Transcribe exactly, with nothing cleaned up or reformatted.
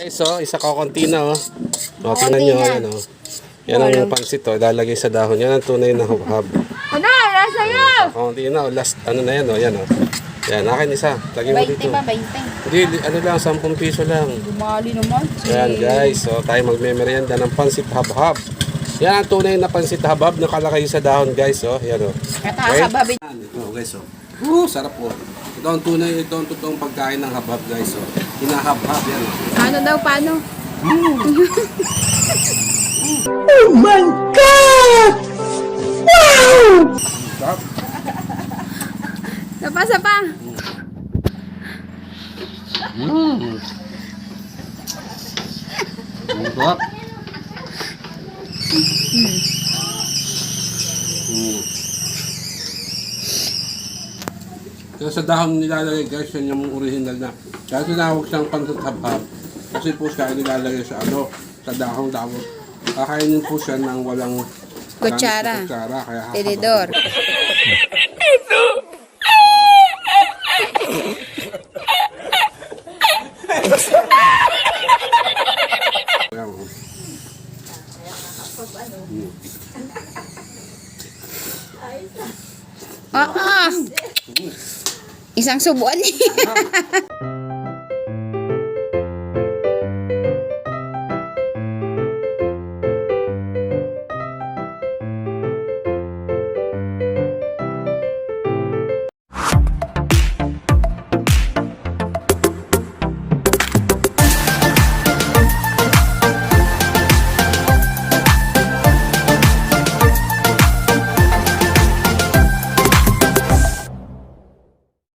Guys, oh, isa kakunti na, oh. O, tingnan nyo, yan, oh. Yan ang pansit, oh. Ilalagay sa dahon. Yan ang tunay na hubhab. Ano? Nasa iyo! Kakunti na, oh. Last, ano na yan, oh. Yan, oh. Yan, akin isa. Lagay mo dito. twenty ba? twenty? Hindi, ano lang, ten piso lang. Bumali naman. Yan, guys. So, tayo magmemeryenda ng pansit habhab. Yan ang tunay na pansit habhab. Nakalakay sa dahon, guys, oh. Yan, oh. Nakakababin. Yan, ito, guys, oh. Uh, sarap, oh. Ito ang tunay, ito ang totoong pagkain ng habhab, guys, oh. Hinahabhab, yan, oh. Ano daw, paano? Oh my God! Wow! Sarap. Napasa pa. Mmm. Ang sarap. Mm. Kaya sa dahon nilalagay, guys, yan yung original na. Kaya tinawag siyang pansit habhab. Kasi po siya nilalagay sa ano, sa dahong dahon. Kakainin po siya ng walang Kutsara. kutsara. Kaya Tinidor. Ah, ah. Isang subuan eh.